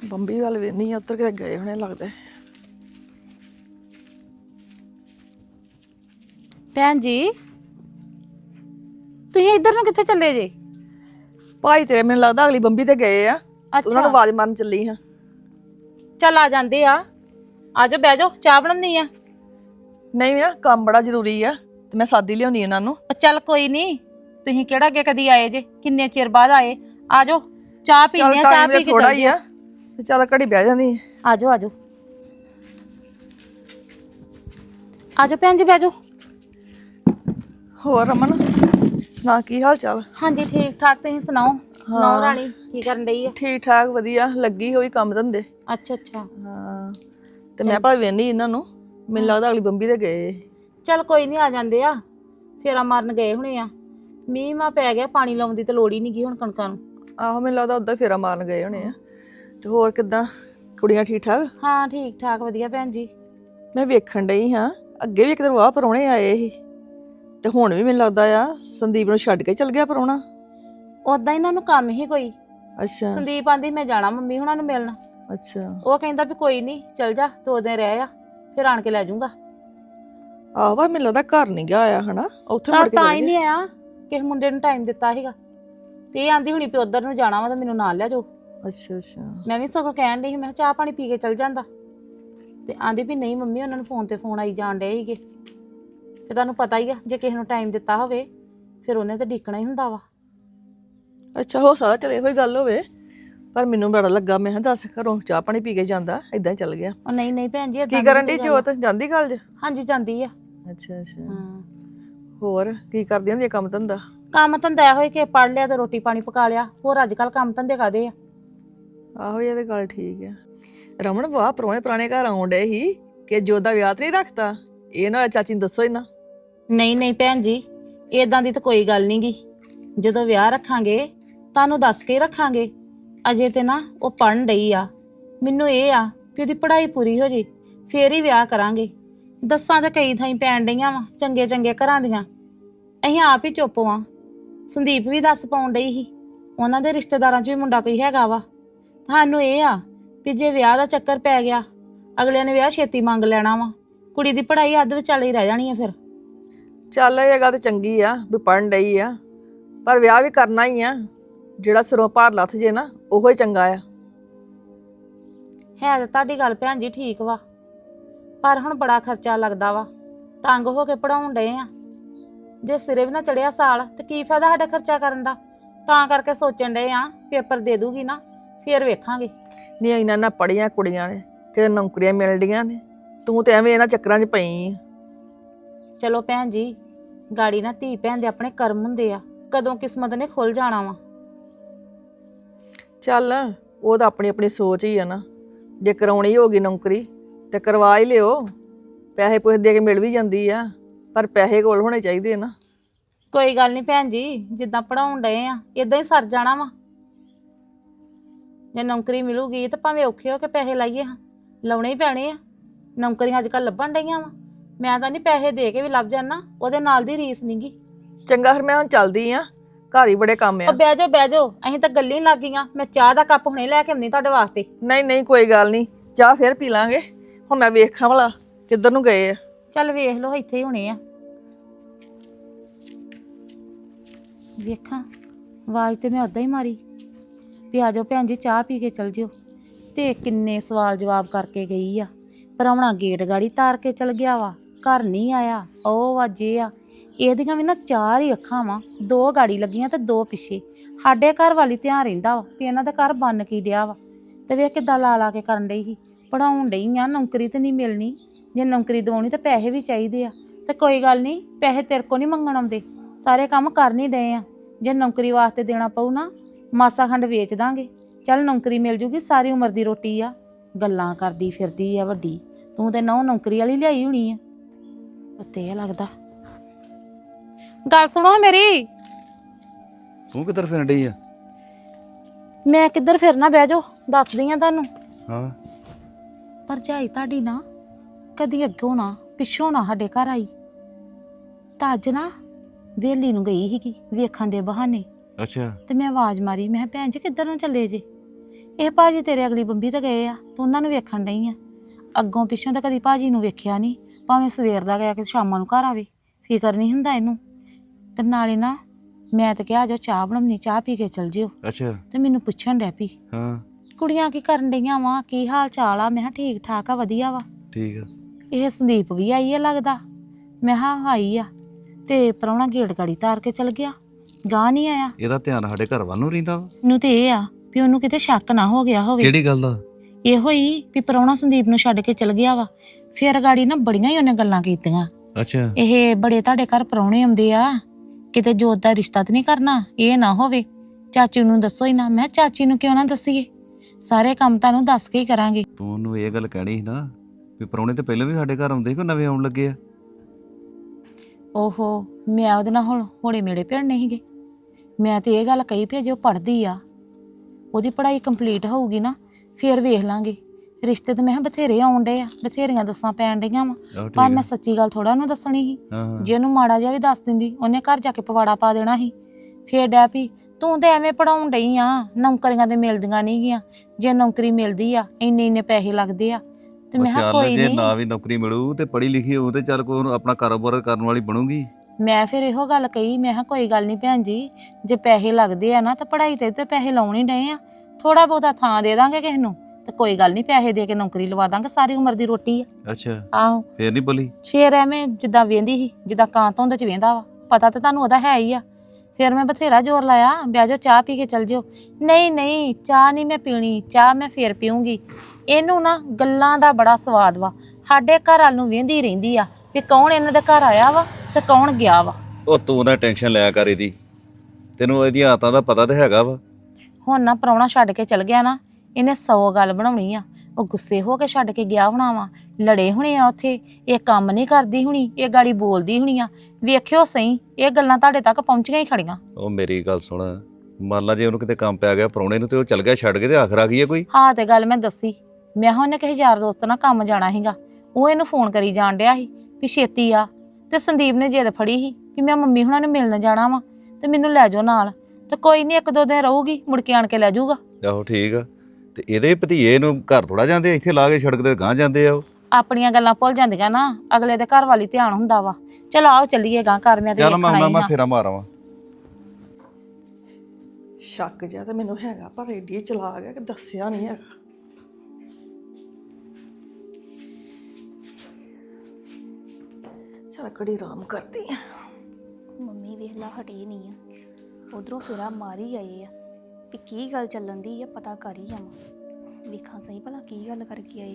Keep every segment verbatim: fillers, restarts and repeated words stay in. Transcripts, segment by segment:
ਬੰਬੀ ਵੱਲ ਵੇਖਣੀ ਉੱਧਰ ਕਿਤੇ ਗਏ ਹੋਣੇ ਲੱਗਦਾ। ਭੈਣ ਜੀ ਤੁਸੀਂ ਇੱਧਰ ਨੂੰ ਕਿੱਥੇ ਚੱਲੇ ਜੇ? ਭਾਈ ਤੇਰੇ ਮੈਨੂੰ ਲੱਗਦਾ ਅਗਲੀ ਬੰਬੀ ਤੇ ਗਏ ਆ। ਉਹਨਾਂ ਨੂੰ ਆਵਾਜ਼ ਮਾਰਨ ਚੱਲੀ ਹਾਂ। ਚੱਲ ਆ ਜਾਂਦੇ ਆ। ਆਜੋ ਬਹਿ ਜਾਓ, ਚਾਹ ਬਣਾਉਣੀ ਆ। ਨਹੀਂ ਨਾ ਕੰਮ ਬੜਾ ਜ਼ਰੂਰੀ ਆ ਤੇ ਮੈਂ ਸਾਦੀ ਲਿਆਉਣੀ ਇਹਨਾਂ ਨੂੰ। ਚੱਲ ਕੋਈ ਨਹੀਂ, ਤੁਸੀਂ ਕਿਹੜਾ ਅੱਗੇ ਕਦੀ ਆਏ ਜੇ, ਕਿੰਨੇ ਚਿਰ ਬਾਅਦ ਆਏ। ਆਜੋ ਚਾਹ ਪੀਨੇ ਆ, ਚਾਹ ਪੀ ਕੇ ਥੋੜਾ ਚੱਲ ਹੀ ਆ ਤੇ ਚੱਲ ਘੜੀ ਬਹਿ ਜਾਂਦੀ। ਆਜੋ ਆਜੋ ਆਜੋ ਭੈਣ ਜੀ ਬਹਿ ਜਾਓ। ਹੋਰ ਰਮਨ ਸੁਣਾ ਕੀ ਹਾਲ ਚਾਲ? ਹਾਂਜੀ ਠੀਕ ਠਾਕ, ਤੁਸੀਂ ਸੁਣਾਓ? ਨੌ ਰਾਣੀ ਕੀ ਕਰਨ ਡਈ ਆ? ਠੀਕ ਠਾਕ ਵਧੀਆ, ਲੱਗੀ ਹੋਈ ਕੰਮ ਧੰਦੇ। ਅੱਛਾ ਅੱਛਾ ਹਾਂ ਤੇ ਮੈਂ ਭਾਵੇਂ ਵੇਖਣੀ ਇਹਨਾਂ ਨੂੰ, ਮੈਨੂੰ ਲੱਗਦਾ ਅਗਲੀ ਬੰਬੀ ਤੇ ਗਏ। ਚੱਲ ਕੋਈ ਨਹੀਂ, ਆ ਜਾਂਦੇ ਆ। ਫੇਰਾ ਮਾਰਨ ਗਏ ਹੋਣੇ ਆ। ਮੀਂਹ ਮਾ ਪੈ ਗਿਆ, ਪਾਣੀ ਲਾਉਣ ਦੀ ਤਾਂ ਲੋੜ ਹੀ ਨਹੀਂ ਗਈ ਹੁਣ ਕਣਕਾਂ ਨੂੰ। ਆਹੋ ਮੈਨੂੰ ਲੱਗਦਾ ਉੱਦਾਂ ਫੇਰਾ ਮਾਰਨ ਗਏ ਹੋਣੇ ਆ। ਤੇ ਹੋਰ ਕਿੱਦਾਂ ਕੁੜੀਆਂ ਠੀਕ ਠਾਕ? ਹਾਂ ਠੀਕ ਠਾਕ ਵਧੀਆ ਭੈਣ ਜੀ। ਮੈਂ ਵੇਖਣ ਡਈ ਹਾਂ ਅੱਗੇ ਵੀ ਇੱਕ ਦਿਨ ਵਾਹ ਪਰੌਣੇ ਆਏ ਸੀ ਤੇ ਹੁਣ ਵੀ ਮੈਨੂੰ ਲੱਗਦਾ ਆ ਸੰਦੀਪ ਨੂੰ ਛੱਡ ਕੇ ਚਲ ਗਿਆ ਪਰੌਣਾ। ਉਦਾਂ ਇਹਨਾਂ ਨੂੰ ਕੰਮ ਹੀ ਕੋਈ। ਅੱਛਾ ਸੰਦੀਪ ਆਂਦੀ ਮੈਂ ਜਾਣਾ ਮੰਮੀ ਹੁਣਾਂ ਨੂੰ ਮਿਲਣ। ਅੱਛਾ ਉਹ ਕਹਿੰਦਾ ਵੀ ਕੋਈ ਨਹੀਂ ਚਲ ਜਾ, ਦੋ ਦਿਨ ਰਹਿ ਆ, ਫਿਰ ਆਣ ਕੇ ਲੈ ਜਾਊਂਗਾ। ਆਹੋ ਪਰ ਮੈਨੂੰ ਲੱਗਦਾ ਘਰ ਨਹੀਂ ਗਿਆ ਆਇਆ ਹਨਾ, ਉੱਥੇ ਮੁੜ ਤਾਂ ਕੇ ਤਾਂ ਚਲੇ ਹੀ ਗਿਆ। ਨਹੀਂ ਆਇਆ, ਕਿਸੇ ਮੁੰਡੇ ਨੂੰ ਟਾਈਮ ਦਿੱਤਾ ਸੀਗਾ ਤੇ ਇਹ ਆਂਦੀ ਹੁਣੀ ਵੀ ਉਧਰ ਨੂੰ ਜਾਣਾ ਵਾ ਤਾਂ ਮੈਨੂੰ ਨਾਲ ਲੈ ਜਾਓ। ਅੱਛਾ ਅੱਛਾ ਮੈਂ ਵੀ ਸਗੋਂ ਕਹਿਣ ਡਈ ਸੀ, ਮੈਂ ਕਿਹਾ ਚਾਹ ਪਾਣੀ ਪੀ ਕੇ ਚਲ ਜਾਂਦਾ। ਤੇ ਆਂਦੀ ਵੀ ਨਹੀਂ ਮੰਮੀ, ਉਹਨਾਂ ਨੂੰ ਫੋਨ ਤੇ ਫੋਨ ਆਈ ਜਾਣ ਡਏ ਸੀਗੇ। ਤੇ ਤੁਹਾਨੂੰ ਪਤਾ ਹੀ ਆ, ਜੇ ਕਿਸੇ ਨੂੰ ਟਾਈਮ ਦਿੱਤਾ ਹੋਵੇ ਫਿਰ ਉਹਨੇ ਤਾਂ ਡੀਕਣਾ ਹੀ ਹੁੰਦਾ ਵਾ। ਅੱਛਾ ਹੋ ਸਕਦਾ ਚਲ ਇਹੋ ਹੀ ਗੱਲ ਹੋਵੇ, ਪਰ ਮੈਨੂੰ ਬੜਾ ਲੱਗਾ, ਮੈਂ ਕਿਹਾ ਦੱਸ ਘਰੋਂ ਚਾਹ ਪਾਣੀ ਪੀ ਕੇ ਜਾਂਦਾ ਏਦਾਂ ਹੀ ਚੱਲ ਗਿਆ। ਉਹ ਨਹੀਂ ਨਹੀਂ ਭੈਣ ਜੀ, ਏਦਾਂ ਕੀ ਕਰਨ ਦੀ ਜੋਤ ਜਾਂਦੀ ਕਾਲਜ? ਹਾਂਜੀ ਜਾਂਦੀ ਆ। ਅੱਛਾ ਅੱਛਾ ਹਾਂ ਹੋਰ ਕੀ ਕਰਦੀ ਹੁੰਦੀ ਆ ਕੰਮ ਧੰਦਾ? ਕੰਮ ਧੰਦਾ ਇਹੋ ਹੀ ਕਿ ਪੜ ਲਿਆ ਤੇ ਰੋਟੀ ਪਾਣੀ ਪਕਾ ਲਿਆ। ਹੋਰ ਅੱਜ ਕੱਲ ਕੰਮ ਧੰਦੇ ਕਾਦੇ ਆ? ਆਹੋ ਇਹ ਤੇ ਗੱਲ ਠੀਕ ਆ। ਰਮਨ ਵਾਹ ਪਰੌਣੇ ਪੁਰਾਣੇ ਘਰ ਆਉਣ ਡੇ ਸੀ ਕਿ ਜੋਤ ਦਾ ਵਿਆਹ ਤੇ ਨਹੀਂ ਰੱਖਤਾ? ਇਹ ਨਾ ਚਾਚੀ ਨੂੰ ਦੱਸੋ ਹੀ ਨਾ। ਨਹੀਂ ਨਹੀਂ ਭੈਣ ਜੀ, ਏਦਾਂ ਦੀ ਤਾਂ ਕੋਈ ਗੱਲ ਨੀ ਗੀ। ਜਦੋਂ ਵਿਆਹ ਰੱਖਾਂਗੇ ਤੁਹਾਨੂੰ ਦੱਸ ਕੇ ਰੱਖਾਂਗੇ। ਅਜੇ ਤੇ ਨਾ ਉਹ ਪੜਨ ਡਈ ਆ। ਮੈਨੂੰ ਇਹ ਆ ਵੀ ਉਹਦੀ ਪੜ੍ਹਾਈ ਪੂਰੀ ਹੋ ਜੇ ਫੇਰ ਹੀ ਵਿਆਹ ਕਰਾਂਗੇ। ਦੱਸਾਂ ਤਾਂ ਕਈ ਥਾਈਂ ਪੈਣ ਡਈਆਂ ਵਾ ਚੰਗੇ ਚੰਗੇ ਘਰਾਂ ਦੀਆਂ। ਅਸੀਂ ਆਪ ਹੀ ਚੁੱਪ ਵਾਂ। ਸੰਦੀਪ ਵੀ ਦੱਸ ਪਾਉਣ ਡਈ ਸੀ, ਉਹਨਾਂ ਦੇ ਰਿਸ਼ਤੇਦਾਰਾਂ 'ਚ ਵੀ ਮੁੰਡਾ ਕੋਈ ਹੈਗਾ ਵਾ। ਸਾਨੂੰ ਇਹ ਆ ਵੀ ਜੇ ਵਿਆਹ ਦਾ ਚੱਕਰ ਪੈ ਗਿਆ, ਅਗਲਿਆਂ ਨੇ ਵਿਆਹ ਛੇਤੀ ਮੰਗ ਲੈਣਾ ਵਾ, ਕੁੜੀ ਦੀ ਪੜ੍ਹਾਈ ਅੱਧ ਵਿਚਾਲੇ ਹੀ ਰਹਿ ਜਾਣੀ ਆ। ਫਿਰ ਚੱਲ ਇਹ ਗੱਲ ਤੇ ਚੰਗੀ ਆ ਵੀ ਪੜਨ ਡਈ ਆ, ਪਰ ਵਿਆਹ ਵੀ ਕਰਨਾ ਹੀ ਆ। ਜਿਹੜਾ ਸਿਰੋਂ ਭਾਰ ਲੱਥ ਜੇ ਨਾ ਉਹੋ ਹੀ ਚੰਗਾ ਆ। ਹੈ ਤਾਂ ਤੁਹਾਡੀ ਗੱਲ ਭੈਣ ਜੀ ਠੀਕ ਵਾ, ਪਰ ਹੁਣ ਬੜਾ ਖਰਚਾ ਲੱਗਦਾ ਵਾ। ਤੰਗ ਹੋ ਕੇ ਪੜਾਉਣ ਡਏ ਆ, ਜੇ ਸਿਰੇ ਵੀ ਨਾ ਚੜਿਆ ਸਾਲ ਤੇ ਕੀ ਫਾਇਦਾ ਸਾਡਾ ਖਰਚਾ ਕਰਨ ਦਾ। ਤਾਂ ਕਰਕੇ ਸੋਚਣ ਡਏ ਆ ਪੇਪਰ ਦੇ ਦੂਗੀ ਨਾ ਫੇਰ ਵੇਖਾਂਗੇ। ਨਹੀਂ ਇਹਨਾਂ ਨਾ ਪੜੀਆਂ ਕੁੜੀਆਂ ਨੇ ਕਿਤੇ ਨੌਕਰੀਆਂ ਮਿਲਦੀਆਂ ਨੇ, ਤੂੰ ਤੇ ਐਵੇਂ ਇਹਨਾਂ ਚੱਕਰਾਂ 'ਚ ਪਈ ਆ। ਚਲੋ ਭੈਣ ਜੀ, ਗਾੜੀ ਨਾ ਧੀ ਭੈਣ ਦੇ ਆਪਣੇ ਕਰਮ ਹੁੰਦੇ ਆ, ਕਦੋਂ ਕਿਸਮਤ ਨੇ ਖੁੱਲ ਜਾਣਾ ਵਾ। ਚੱਲ ਉਹ ਤਾਂ ਆਪਣੀ ਆਪਣੀ ਸੋਚ ਹੀ ਆ ਨਾ। ਜੇ ਕਰਾਉਣੀ ਹੋਗੀ ਨੌਕਰੀ ਤੇ ਕਰਵਾ ਹੀ ਲਿਓ, ਪੈਸੇ ਪੂਸੇ ਦੇ ਕੇ ਮਿਲ ਵੀ ਜਾਂਦੀ ਆ, ਪਰ ਪੈਸੇ ਕੋਲ ਹੋਣੇ ਚਾਹੀਦੇ ਨਾ। ਕੋਈ ਗੱਲ ਨਹੀਂ ਭੈਣ ਜੀ, ਜਿੱਦਾਂ ਪੜਾਉਣ ਡਏ ਆ ਇਦਾਂ ਹੀ ਸਰ ਜਾਣਾ ਵਾ। ਜੇ ਨੌਕਰੀ ਮਿਲੂਗੀ ਤਾਂ ਭਾਵੇਂ ਔਖੇ ਹੋ ਕੇ ਪੈਸੇ ਲਾਈਏ, ਹਾਂ ਲਾਉਣੇ ਹੀ ਪੈਣੇ ਆ। ਨੌਕਰੀਆਂ ਅੱਜ ਕੱਲ੍ਹ ਲੱਭਣ ਡਈਆਂ ਵਾ। ਮੈਂ ਤਾਂ ਨਹੀਂ ਪੈਸੇ ਦੇ ਕੇ ਵੀ ਲੱਭ ਜਾਣਾ, ਉਹਦੇ ਨਾਲ ਦੀ ਰੀਸ ਨੀ ਗੀ। ਚੰਗਾ ਫਿਰ ਮੈਂ ਹੁਣ ਚੱਲਦੀ ਆ, ਘਰ ਹੀ ਬੜੇ ਕੰਮ ਆ। ਉਹ ਬਹਿ ਜਾਓ ਬਹਿ ਜਾਓ, ਅਸੀਂ ਤਾਂ ਗੱਲਾਂ ਹੀ ਲੱਗ ਗਈਆਂ। ਮੈਂ ਚਾਹ ਦਾ ਕੱਪ ਹੁਣੇ ਲੈ ਕੇ ਆਉਂਦੀ ਤੁਹਾਡੇ ਵਾਸਤੇ। ਨਹੀਂ ਨਹੀਂ ਕੋਈ ਗੱਲ ਨਹੀਂ, ਚਾਹ ਫਿਰ ਪੀ ਲਾਂਗੇ। ਹੁਣ ਮੈਂ ਵੇਖਾਂ ਭਲਾ ਕਿੱਧਰ ਨੂੰ ਗਏ ਆ। ਚੱਲ ਵੇਖ ਲਓ, ਇੱਥੇ ਹੀ ਹੋਣੇ ਆ। ਵੇਖਾਂ ਆਵਾਜ਼ ਤੇ ਮੈਂ ਉਦਾਂ ਹੀ ਮਾਰੀ ਵੀ ਆ ਜਾਓ ਭੈਣ ਜੀ ਚਾਹ ਪੀ ਕੇ ਚਲ ਜਿਓ। ਤੇ ਕਿੰਨੇ ਸਵਾਲ ਜਵਾਬ ਕਰਕੇ ਗਈ ਆ। ਪ੍ਰਾਹੁਣਾ ਗੇਟ ਗਾੜੀ ਤਾਰ ਕੇ ਚਲ ਗਿਆ ਵਾ, ਘਰ ਨਹੀਂ ਆਇਆ। ਉਹ ਵਾਜੇ ਆ ਇਹਦੀਆਂ ਵੀ ਨਾ ਚਾਰ ਹੀ ਅੱਖਾਂ ਵਾ, ਦੋ ਗਾੜੀ ਲੱਗੀਆਂ ਤੇ ਦੋ ਪਿੱਛੇ। ਸਾਡੇ ਘਰ ਵਾਲੀ ਧਿਆਨ ਰਹਿੰਦਾ ਵਾ ਵੀ ਇਹਨਾਂ ਦਾ ਘਰ ਬਣ ਕੀ ਡਿਆ ਵਾ। ਤੇ ਵੇਖ ਕਿੱਦਾਂ ਲਾ ਲਾ ਕੇ ਕਰਨ ਡਈ ਸੀ। ਪੜਾਉਣ ਡਈ ਆ, ਨੌਕਰੀ ਤੇ ਨਹੀਂ ਮਿਲਣੀ। ਜੇ ਨੌਕਰੀ ਦਿਵਾਉਣੀ ਤਾਂ ਪੈਸੇ ਵੀ ਚਾਹੀਦੇ ਆ। ਤੇ ਕੋਈ ਗੱਲ ਨਹੀਂ, ਪੈਸੇ ਤੇਰੇ ਕੋ ਨਹੀਂ ਮੰਗਣ ਆਉਂਦੇ, ਸਾਰੇ ਕੰਮ ਕਰ ਨਹੀਂ ਡਏ ਆ। ਜੇ ਨੌਕਰੀ ਵਾਸਤੇ ਦੇਣਾ ਪਊ ਨਾ, ਮਾਸਾ ਖੰਡ ਵੇਚ ਦਾਂਗੇ। ਚੱਲ ਨੌਕਰੀ ਮਿਲ ਜੂਗੀ, ਸਾਰੀ ਉਮਰ ਦੀ ਰੋਟੀ ਆ। ਗੱਲਾਂ ਕਰਦੀ ਫਿਰਦੀ ਆ ਵੱਡੀ, ਤੂੰ ਤੇ ਨਹੁੰ ਨੌਕਰੀ ਵਾਲੀ ਲਿਆਈ ਹੋਣੀ ਆ। ਉੱਤੇ ਇਹ ਲੱਗਦਾ। ਗੱਲ ਸੁਣੋ ਮੇਰੀ। ਤੂੰ ਕਿੱਧਰ ਫਿਰਨ ਡਈ ਆ? ਮੈਂ ਕਿੱਧਰ ਫਿਰਨਾ, ਬਹਿ ਜਾਓ ਦੱਸਦੀ ਆ ਤੁਹਾਨੂੰ। ਹਾਂ ਭਰਜਾਈ ਤੁਹਾਡੀ ਨਾ ਕਦੀ ਅੱਗੋਂ ਨਾ ਪਿੱਛੋਂ ਨਾ ਸਾਡੇ ਘਰ ਆਈ। ਤਾਂ ਅੱਜ ਨਾ ਵੇਲੀ ਨੂੰ ਗਈ ਸੀਗੀ ਵੇਖਣ ਦੇ ਬਹਾਨੇ। ਅੱਛਾ ਤੇ ਮੈਂ ਆਵਾਜ਼ ਮਾਰੀ, ਮੈਂ ਕਿਹਾ ਭੈਣ ਜੀ ਕਿੱਧਰ ਨੂੰ ਚੱਲੇ ਜੇ? ਇਹ ਭਾਜੀ ਤੇਰੇ ਅਗਲੀ ਬੰਬੀ ਤੇ ਗਏ ਆ, ਤੂੰ ਉਹਨਾਂ ਨੂੰ ਵੇਖਣ ਡਈ ਆ। ਅੱਗੋਂ ਪਿੱਛੋਂ ਤਾਂ ਕਦੀ ਭਾਜੀ ਨੂੰ ਵੇਖਿਆ ਨਹੀਂ, ਭਾਵੇਂ ਸਵੇਰ ਦਾ ਗਿਆ ਕਿ ਸ਼ਾਮਾਂ ਨੂੰ ਘਰ ਆਵੇ, ਫਿਕਰ ਨਹੀਂ ਹੁੰਦਾ ਇਹਨੂੰ। ਤੇ ਨਾਲੇ ਨਾ ਮੈਂ ਤਾਂ ਕਿਹਾ ਜੋ ਚਾਹ ਬਣਾਉਣੀ, ਚਾਹ ਪੀ ਕੇ ਚਲ ਜਿਓ। ਅੱਛਾ। ਤੇ ਮੈਨੂੰ ਪੁੱਛਣ ਡੈ ਪਈ ਹਾਂ। ਕੁੜੀਆਂ ਕੀ ਕਰਨ ਡਈਆਂ ਵਾ, ਕੀ ਹਾਲ ਚਾਲ ਆ? ਮੈਂ ਕਿਹਾ ਠੀਕ ਠਾਕ ਆ, ਵਧੀਆ ਵਾ। ਠੀਕ ਆ। ਇਹ ਸੰਦੀਪ ਵੀ ਆਈ ਆ ਲੱਗਦਾ। ਮੈਂ ਕਿਹਾ ਆਈ ਆ, ਤੇ ਪ੍ਰਾਹੁਣਾ ਗੇਟ ਗਾੜੀ ਤਾਰ ਕੇ ਚਲ ਗਿਆ, ਗਾਂ ਨਹੀਂ ਆਇਆ। ਇਹਦਾ ਧਿਆਨ ਸਾਡੇ ਘਰ ਵੱਲ ਨੂੰ ਰਹਿੰਦਾ ਵਾ। ਮੈਨੂੰ ਤੇ ਇਹ ਆ ਵੀ ਉਹਨੂੰ ਕਿਤੇ ਸ਼ੱਕ ਨਾ ਹੋ ਗਿਆ ਹੋਵੇ। ਕਿਹੜੀ ਗੱਲ ਦਾ? ਇਹੋ ਹੀ ਵੀ ਪ੍ਰਾਹੁਣਾ ਸੰਦੀਪ ਨੂੰ ਛੱਡ ਕੇ ਚਲ ਗਿਆ ਵਾ। ਫਿਰ ਗਾੜੀ ਨਾ ਬੜੀਆਂ ਹੀ ਉਹਨੇ ਗੱਲਾਂ ਕੀਤੀਆਂ। ਅੱਛਾ। ਇਹ ਬੜੇ ਤੁਹਾਡੇ ਘਰ ਪ੍ਰਾਹੁਣੇ ਆਉਂਦੇ ਆ, ਕਿਤੇ ਜੋਤ ਦਾ ਰਿਸ਼ਤਾ ਤੇ ਨਹੀਂ ਕਰਨਾ, ਇਹ ਨਾ ਹੋਵੇ। ਚਾਚੀ ਨੂੰ ਦੱਸੋ ਹੀ ਨਾ। ਮੈਂ ਚਾਚੀ ਨੂੰ ਕਿਉਂ ਨਾ ਦੱਸੀਏ, ਸਾਰੇ ਕੰਮ ਤੁਹਾਨੂੰ ਦੱਸ ਕੇ ਹੀ ਕਰਾਂਗੇ। ਤੂੰ ਉਹਨੂੰ ਇਹ ਗੱਲ ਕਹਿਣੀ ਸੀ ਨਾ ਵੀ ਪ੍ਰਾਹੁਣੇ ਤੇ ਪਹਿਲਾਂ ਵੀ ਸਾਡੇ ਘਰ ਆਉਂਦੇ ਸੀ, ਕੋਈ ਨਵੇਂ ਆਉਣ ਲੱਗੇ ਆ? ਓਹੋ, ਮੈਂ ਉਹਦੇ ਨਾਲ ਹੁਣ ਹੋੜੇ ਮੇੜੇ ਭਿੜਨੇ ਸੀਗੇ। ਮੈਂ ਤੇ ਇਹ ਗੱਲ ਕਹੀ ਵੀ ਜੇ ਉਹ ਪੜ੍ਹਦੀ ਆ, ਉਹਦੀ ਪੜ੍ਹਾਈ ਕੰਪਲੀਟ ਹੋਊਗੀ ਨਾ, ਫੇਰ ਵੇਖ ਲਾਂਗੇ। ਰਿਸ਼ਤੇ ਤੇ ਮੈਂ ਕਿਹਾ ਬਥੇਰੇ ਆਉਣ ਡੇ ਆ, ਬਥੇਰੀਆਂ ਦੱਸਾਂ ਪੈਣ ਡਈਆਂ ਵਾ, ਪਰ ਮੈਂ ਸੱਚੀ ਗੱਲ ਥੋੜਾ ਉਹਨੂੰ ਦੱਸਣੀ ਸੀ। ਜੇ ਉਹਨੂੰ ਮਾੜਾ ਜਿਹਾ ਵੀ ਦੱਸ ਦਿੰਦੀ, ਉਹਨੇ ਘਰ ਜਾ ਕੇ ਪਵਾੜਾ ਪਾ ਦੇਣਾ ਸੀ। ਫੇਰ ਡੈ ਪਈ ਤੂੰ ਤੇ ਐਵੇਂ ਪੜਾਉਣ ਡਈ ਆ, ਨੌਕਰੀਆਂ ਤੇ ਮਿਲਦੀਆਂ ਨਹੀਂ ਗੀਆਂ। ਜੇ ਨੌਕਰੀ ਮਿਲਦੀ ਆ, ਇੰਨੇ ਇੰਨੇ ਪੈਸੇ ਲੱਗਦੇ ਆ। ਤੇ ਮੈਂ ਕਿਹਾ ਕੋਈ ਜੇ ਨਹੀਂ, ਨਾ ਵੀ ਨੌਕਰੀ ਮਿਲੂ ਤੇ ਪੜ੍ਹੀ ਲਿਖੀ ਹੋਊ ਤੇ ਚੱਲ ਕੋਈ ਆਪਣਾ ਕਾਰੋਬਾਰ ਕਰਨ ਵਾਲੀ ਬਣੂਗੀ। ਮੈਂ ਫਿਰ ਇਹੋ ਗੱਲ ਕਹੀ, ਮੈਂ ਕਿਹਾ ਕੋਈ ਗੱਲ ਨਹੀਂ ਭੈਣ ਜੀ, ਜੇ ਪੈਸੇ ਲੱਗਦੇ ਆ ਨਾ ਤਾਂ ਪੜ੍ਹਾਈ ਤੇ ਤੇ ਪੈਸੇ ਲਾਉਣ ਹੀ ਡਏ ਆ। ਥੋੜਾ ਬਹੁਤਾ ਥਾਂ ਦੇ ਦਾਂਗੇ ਕਿਸੇ ਨੂੰ, ਤੇ ਕੋਈ ਗੱਲ ਨਹੀਂ, ਪੈਸੇ ਦੇ ਕੇ ਨੌਕਰੀ ਲਵਾ ਦਾਂਗੇ, ਸਾਰੀ ਉਮਰ ਦੀ ਰੋਟੀ ਆ। ਅੱਛਾ। ਆਹੋ। ਫੇਰ ਨਹੀਂ ਬੋਲੀ? ਫੇਰ ਐਵੇਂ ਜਿੱਦਾਂ ਵੇਂਦੀ ਸੀ, ਜਿੱਦਾਂ ਕਾਂ ਧੁੰਦ ਚ ਵੇਂਦਾ ਵਾ, ਪਤਾ ਤੇ ਤੁਹਾਨੂੰ ਉਹਦਾ ਹੈ ਹੀ ਆ। ਫਿਰ ਮੈਂ ਬਥੇਰਾ ਜ਼ੋਰ ਲਾਇਆ, ਬਹਿ ਜਾਓ ਚਾਹ ਪੀ ਕੇ ਚਲ ਜਿਓ। ਨਹੀਂ ਨਹੀਂ, ਚਾਹ ਨਹੀਂ ਮੈਂ ਪੀਣੀ, ਚਾਹ ਮੈਂ ਫੇਰ ਪੀਊਂਗੀ। ਇਹਨੂੰ ਨਾ ਗੱਲਾਂ ਦਾ ਬੜਾ ਸਵਾਦ ਵਾ, ਸਾਡੇ ਘਰ ਵਾਲ ਨੂੰ ਵੇਂਦੀ ਰਹਿੰਦੀ ਆ ਵੀ ਕੌਣ ਇਹਨਾਂ ਦੇ ਘਰ ਆਇਆ ਵਾ ਤੇ ਕੌਣ ਗਿਆ ਵਾ। ਉਹ ਤੂੰ ਨਾ ਟੈਨਸ਼ਨ ਲਿਆ ਕਰ ਇਹਦੀ, ਤੈਨੂੰ ਇਹਦੀਆਂ ਆਦਤਾਂ ਦਾ ਪਤਾ ਤੇ ਹੈਗਾ ਵਾ। ਹੁਣ ਨਾ ਪ੍ਰਾਹੁਣਾ ਛੱਡ ਕੇ ਚਲ ਗਿਆ ਨਾ, ਇਹਨੇ ਸੌ ਗੱਲ ਬਣਾਉਣੀ ਆ। ਉਹ ਗੁੱਸੇ ਹੋ ਕੇ ਛੱਡ ਕੇ ਗਿਆ ਹੋਣਾ ਵਾ, ਲੜੇ ਹੋਣੇ ਆ ਉੱਥੇ, ਇਹ ਕੰਮ ਨਹੀਂ ਕਰਦੀ ਹੁਣੀ, ਇਹ ਗਾੜੀ ਬੋਲਦੀ ਹੋਣੀ ਆ। ਵੇਖਿਓ ਸਹੀ, ਇਹ ਗੱਲਾਂ ਤੁਹਾਡੇ ਤੱਕ ਪਹੁੰਚੀਆਂ ਹੀ ਖੜੀਆਂ। ਉਹ ਮੇਰੀ ਗੱਲ ਸੁਣ, ਮੰਨ ਲਾ ਜੇ ਉਹਨੂੰ ਕਿਤੇ ਕੰਮ ਪੈ ਗਿਆ ਪ੍ਰਾਹੁਣੇ ਨੂੰ ਤੇ ਉਹ ਚਲ ਗਿਆ ਛੱਡ ਕੇ, ਤੇ ਆਖਰ ਆ ਗਈ ਹੈ ਕੋਈ? ਹਾਂ ਤੇ ਗੱਲ ਮੈਂ ਦੱਸੀ, ਮੈਂ ਕਿਹਾ ਉਹਨੇ ਕਿਸੇ ਯਾਰ ਦੋਸਤ ਨਾਲ ਕੰਮ ਜਾਣਾ ਸੀਗਾ, ਉਹ ਇਹਨੂੰ ਫੋਨ ਕਰੀ ਜਾਣ ਡਿਆ ਸੀ ਵੀ ਛੇਤੀ ਆ। ਤੇ ਸੰਦੀਪ ਨੇ ਜਿੱਦ ਫੜੀ ਸੀ ਵੀ ਮੈਂ ਮੰਮੀ ਹੁਣਾਂ ਨੂੰ ਮਿਲਣ ਜਾਣਾ ਵਾ ਤੇ ਮੈਨੂੰ ਲੈ ਜਾਓ ਨਾਲ। ਤੇ ਕੋਈ ਨਹੀਂ, ਇੱਕ ਦੋ ਦਿਨ ਰਹੂਗੀ, ਮੁੜ ਕੇ ਆਣ ਕੇ ਲੈ ਜਾਊਗਾ। ਆਹੋ ਠੀਕ ਆ। ਤੇ ਇਹਦੇ ਭਤੀਏ ਨੂੰ ਘਰ ਥੋੜਾ ਜਾਂਦੇ, ਇੱਥੇ ਲਾ ਕੇ ਸੜਕ ਤੇ ਗਾਂ ਜਾਂਦੇ ਆ। ਉਹ ਆਪਣੀਆਂ ਗੱਲਾਂ ਭੁੱਲ ਜਾਂਦੀਆਂ ਨਾ, ਅਗਲੇ ਦੇ ਘਰ ਵਾਲੀ ਧਿਆਨ ਹੁੰਦਾ ਵਾ। ਚਲ ਆਓ ਚੱਲੀਏ ਗਾਂ ਘਰ, ਮੈਂ ਤੇ ਚੱਲ ਮੈਂ ਵੇਖਣਾ ਹੀ ਮੈਂ ਹਾਂ। ਫੇਰਾ ਮਾਰਾਂ। ਸ਼ੱਕ ਜਿਹਾ ਤਾਂ ਮੈਨੂੰ ਹੈਗਾ, ਪਰ ਏਡੀ ਚਲਾਕ ਹੈ ਕਿ ਦੱਸਿਆ ਨਹੀਂ ਹੈਗਾ। ਚਲ ਕੜੀ ਆਰਾਮ ਕਰਦੀ ਆ। ਮੰਮੀ ਵੇਖ ਲਾ ਹਟੀ ਨਹੀਂ ਆ, ਉਧਰੋਂ ਫੇਰਾ ਮਾਰੀ ਆਏ ਆ ਵੀ ਕੀ ਗੱਲ ਚੱਲਣ ਦੀ ਆ, ਪਤਾ ਕਰ ਹੀ ਜਾਵਾਂ, ਵੇਖਾਂ ਸਹੀ ਭਲਾ ਕੀ ਗੱਲ ਕਰਕੇ ਆਏ।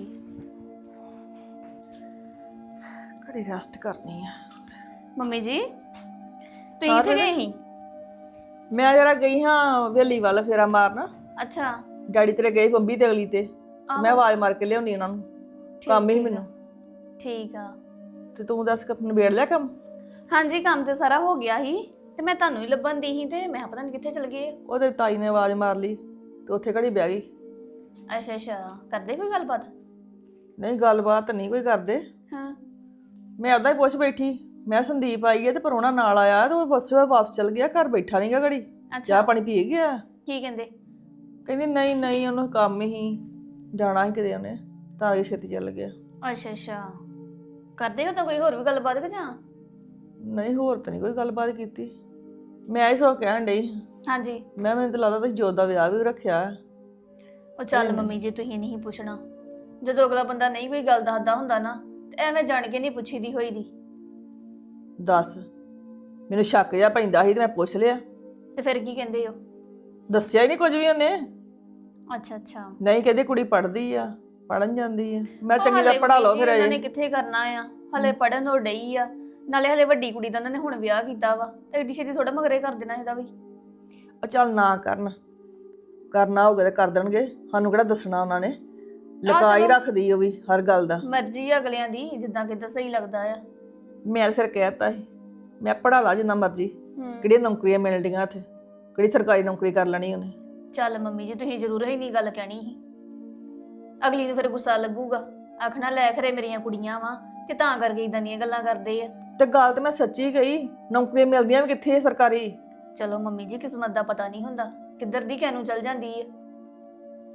ਕੜੀ ਰੈਸਟ ਕਰਨੀ ਆ। ਮੰਮੀ ਜੀ ਤੁਸੀਂ ਕਿੱਥੇ ਗਏ ਸੀ? ਮੈਂ ਜਰਾ ਗਈ ਹਾਂ ਵੇਲੀ ਵੱਲ ਫੇਰਾ ਮਾਰਨ। ਅੱਛਾ। ਡੈਡੀ ਤੇਰੇ ਗਏ ਬੰਬੀ ਤੇ ਅਗਲੀ ਤੇ, ਮੈਂ ਆਵਾਜ਼ ਮਾਰ ਕੇ ਲਿਆਉਣੀ ਉਹਨਾਂ ਨੂੰ, ਕੰਮ ਹੀ ਮੈਨੂੰ। ਠੀਕ ਆ। ਤੇ ਤੂੰ ਦੱਸ ਕੱਪ ਨਿਬੇੜ ਲਿਆ ਕੰਮ? ਹਾਂਜੀ ਕੰਮ ਤੇ ਸਾਰਾ ਹੋ ਗਿਆ ਸੀ, ਤੇ ਮੈਂ ਤੁਹਾਨੂੰ ਹੀ ਲੱਭਣ ਦੀ ਸੀ, ਤੇ ਮੈਂ ਪਤਾ ਨਹੀਂ ਕਿੱਥੇ ਚਲ ਗਏ। ਉਹਦੇ ਤਾਈ ਨੇ ਆਵਾਜ਼ ਮਾਰ ਲਈ ਤੇ ਉੱਥੇ ਘੜੀ ਬਹਿ ਗਈ। ਅੱਛਾ ਅੱਛਾ, ਕਰਦੇ ਕੋਈ ਗੱਲਬਾਤ? ਨਹੀਂ ਗੱਲਬਾਤ ਨਹੀਂ ਕੋਈ ਕਰਦੇ। ਹਾਂ। ਮੈਂ ਅੱਧਾ ਹੀ ਪੁੱਛ ਬੈਠੀ, ਮੈਂ ਸੰਦੀਪ ਆਈ ਹੈ ਤੇ ਪਰੋਣਾ ਨਾਲ ਆਇਆ ਤੇ ਉਹ ਬੱਸ ਵਾਪਸ ਚਲ ਗਿਆ, ਘਰ ਬੈਠਾ ਨਹੀਂਗਾ ਘੜੀ, ਚਾਹ ਪਾਣੀ ਪੀ ਗਿਆ। ਕੀ ਕਹਿੰਦੇ? ਕਹਿੰਦੀ ਨਹੀਂ ਨਹੀਂ, ਉਹਨੂੰ ਕੰਮ ਹੀ ਜਾਣਾ ਸੀ ਕਿਤੇ, ਉਹਨੇ ਤਾਂ ਇਹ ਛੇਤੀ ਚੱਲ ਗਿਆ। ਅੱਛਾ ਅੱਛਾ, ਕਰਦੇ ਹੋ ਤਾਂ ਕੋਈ ਹੋਰ ਵੀ ਗੱਲਬਾਤ ਕਿ ਜਾਂ? ਨਹੀਂ ਹੋਰ ਤਾਂ ਨਹੀਂ ਕੋਈ ਗੱਲਬਾਤ ਕੀਤੀ। ਮੈਂ ਹੀ ਸੋ ਕਹਿਣ ਡਈ। ਹਾਂਜੀ। ਮੈਂ ਮੈਨੂੰ ਤਾਂ ਲੱਗਦਾ ਤੁਸੀਂ ਜੋਤ ਦਾ ਵਿਆਹ ਵੀ ਰੱਖਿਆ। ਉਹ ਚੱਲ ਮੰਮੀ ਜੀ, ਤੁਸੀਂ ਨਹੀਂ ਪੁੱਛਣਾ, ਜਦੋਂ ਅਗਲਾ ਬੰਦਾ ਨਹੀਂ ਕੋਈ ਗੱਲ ਦੱਸਦਾ ਹੁੰਦਾ ਨਾ, ਤੇ ਐਵੇਂ ਜਾਣ ਕੇ ਨਹੀਂ ਪੁੱਛੀ ਦੀ ਹੋਈ ਦੀ। ਦੱਸ, ਮੈਨੂੰ ਸ਼ੱਕ ਜਿਹਾ ਪੈਂਦਾ ਸੀ ਤੇ ਮੈਂ ਪੁੱਛ ਲਿਆ। ਤੇ ਫਿਰ ਕੀ ਕਹਿੰਦੇ ਹੋ? ਦੱਸਿਆ ਹੀ ਨਹੀਂ ਕੁਝ ਵੀ ਉਹਨੇ। ਅੱਛਾ ਅੱਛਾ। ਨਹੀਂ ਕਹਿੰਦੇ ਕੁੜੀ ਪੜ੍ਹਦੀ ਆ, ਪੜਨ ਜਾਂਦੀ ਆ। ਮੈਂ ਚੰਗੀ ਤਰ੍ਹਾਂ ਪੜਾ ਲਓ ਫਿਰ। ਉਹਨਾਂ ਨੇ ਕਿੱਥੇ ਕਰਨਾ ਆ, ਹਲੇ ਪੜਨ ਹੋ ਡਈ ਆ, ਨਾਲੇ ਹਲੇ ਵੱਡੀ ਕੁੜੀ ਦਾ ਉਹਨਾਂ ਨੇ ਹੁਣ ਵਿਆਹ ਕੀਤਾ ਵਾ, ਤੇ ਏਡੀ ਛੇਤੀ ਥੋੜਾ ਮਗਰੇ ਕਰ ਦੇਣਾ ਇਹਦਾ ਵੀ। ਆ ਚੱਲ ਨਾ ਕਰਨ, ਕਰਨਾ ਹੋਊਗਾ ਤੇ ਕਰ ਦੇਣਗੇ, ਸਾਨੂੰ ਕਿਹੜਾ ਦੱਸਣਾ ਉਹਨਾਂ ਨੇ। ਲੁਕਾਈ ਰੱਖਦੀ ਉਹ ਵੀ ਹਰ ਗੱਲ ਦਾ। ਮਰਜ਼ੀ ਆ ਅਗਲਿਆਂ ਦੀ, ਜਿੱਦਾਂ ਕਿੱਦਾਂ ਸਹੀ ਲੱਗਦਾ ਆ। ਮੈਂ ਫਿਰ ਕਹਿਤਾ ਸੀ, ਮੈਂ ਪੜਾ ਲਾ ਜਿੰਨਾ ਮਰਜ਼ੀ, ਹੂੰ। ਕਿਹੜੀਆਂ ਨੌਕਰੀਆਂ ਮਿਲਣ ਡੀਆਂ ਇੱਥੇ, ਕਿਹੜੀ ਸਰਕਾਰੀ ਨੌਕਰੀ ਕਰ ਲੈਣੀ ਉਹਨੇ। ਚੱਲ ਮੰਮੀ ਜੀ, ਤੁਸੀਂ ਜ਼ਰੂਰ ਹੀ ਨਹੀਂ ਗੱਲ ਕਹਿਣੀ ਸੀ, ਅਗਲੀ ਨੂੰ ਫਿਰ ਗੁੱਸਾ ਲੱਗੂਗਾ, ਆਖਣਾ ਲੈ ਖਰੇ ਮੇਰੀਆਂ ਕੁੜੀਆਂ ਵਾ ਤੇ ਤਾਂ ਕਰਕੇ ਇਦਾਂ ਦੀਆਂ ਗੱਲਾਂ ਕਰਦੇ ਆ। ਤੇ ਗੱਲ ਤੇ ਮੈਂ ਸੱਚੀ ਕਹੀ, ਨੌਕਰੀਆਂ ਮਿਲਦੀਆਂ ਵੀ ਕਿੱਥੇ ਆ ਸਰਕਾਰੀ। ਚਲੋ ਮੰਮੀ ਜੀ, ਕਿਸਮਤ ਦਾ ਪਤਾ ਨਹੀਂ ਹੁੰਦਾ, ਕਿੱਧਰ ਦੀ ਕਿਹਨੂੰ ਚੱਲ ਜਾਂਦੀ ਹੈ। ਚਲੋ ਮੰਮੀ ਜੀ, ਤੁਸੀਂ ਜ਼ਰੂਰ ਹੀ ਨਹੀਂ ਗੱਲ ਕਹਿਣੀ ਸੀ, ਅਗਲੀ ਨੂੰ ਫਿਰ ਗੁੱਸਾ ਲੱਗੂਗਾ, ਆਖਣਾ ਲੈ ਖਰੇ ਮੇਰੀਆਂ ਕੁੜੀਆਂ ਵਾ ਤੇ ਤਾਂ ਕਰਕੇ ਇਦਾਂ ਦੀਆਂ ਗੱਲਾਂ ਕਰਦੇ ਆ। ਤੇ ਗੱਲ ਤੇ ਮੈਂ ਸੱਚੀ ਕਹੀ, ਨੌਕਰੀਆਂ ਮਿਲਦੀਆਂ ਵੀ ਕਿੱਥੇ ਆ ਸਰਕਾਰੀ। ਚਲੋ ਮੰਮੀ ਜੀ, ਕਿਸਮਤ ਦਾ ਪਤਾ ਨਹੀਂ ਹੁੰਦਾ, ਕਿੱਧਰ ਦੀ ਕਿਹਨੂੰ ਚੱਲ ਜਾਂਦੀ ਹੈ।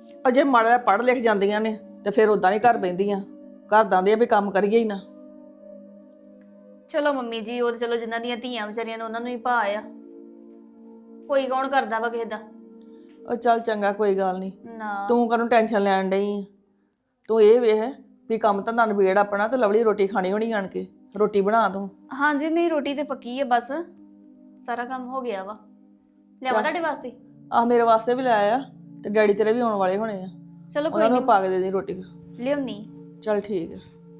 ਅਜੇ ਮਾੜਾ ਪੜ੍ਹ ਲਿਖ ਜਾਂਦੀਆਂ ਨੇ ਤੇ ਫਿਰ ਉਦਾਂ ਨਹੀਂ ਘਰ ਬਹਿੰਦੀਆਂ। ਘਰ ਦਾਂ ਦੇ ਵੀ ਕੰਮ ਕਰੀਏ ਹੀ ਨਾ। ਚਲੋ ਮੰਮੀ ਜੀ, ਉਹ ਤਾਂ ਚਲੋ ਜਿਨ੍ਹਾਂ ਦੀਆਂ ਧੀਆਂ ਵਿਚਾਰੀਆਂ ਨੇ ਉਹਨਾਂ ਨੂੰ ਹੀ ਭਾ ਆ। ਕੋਈ ਕੌਣ ਕਰਦਾ ਵਾ ਕਿਸੇ ਦਾ। ਉਹ ਚੱਲ ਚੰਗਾ, ਕੋਈ ਗੱਲ ਨਹੀਂ। ਨਾ ਤੂੰ ਕਾਹਨੂੰ ਟੈਨਸ਼ਨ ਲੈਣ ਡਈ ਆ? ਤੂੰ ਇਹ ਵੇਖ ਵੀ ਕੰਮ ਧੰਦਾ ਨਿਬੇੜ ਆਪਣਾ ਤੇ ਲਵਲੀ ਰੋਟੀ ਖਾਣੀ ਹੋਣੀ ਆਣ ਕੇ। ਰੋਟੀ ਬਣਾ ਤੂੰ। ਹਾਂਜੀ, ਨਹੀਂ ਰੋਟੀ ਤੇ ਪੱਕੀ ਹੈ, ਬਸ ਸਾਰਾ ਕੰਮ ਹੋ ਗਿਆ ਵਾ। ਲਿਆਵਾ ਤੁਹਾਡੇ ਵਾਸਤੇ? ਆਹ ਮੇਰੇ ਵਾਸਤੇ ਵੀ ਲੈ ਆਇਆ ਤੇ ਡੈਡੀ ਤੇਰੇ ਵੀ ਆਉਣ ਵਾਲੇ ਹੋਣੇ ਆ। ਚਲੋ ਕੋਈ ਉਹਨਾਂ ਨੂੰ ਨਹੀਂ, ਪਾ ਕੇ ਦੇ ਦੇ ਰੋਟੀ। ਲਿਆਉਣੀ। ਚੱਲ ਠੀਕ ਹੈ।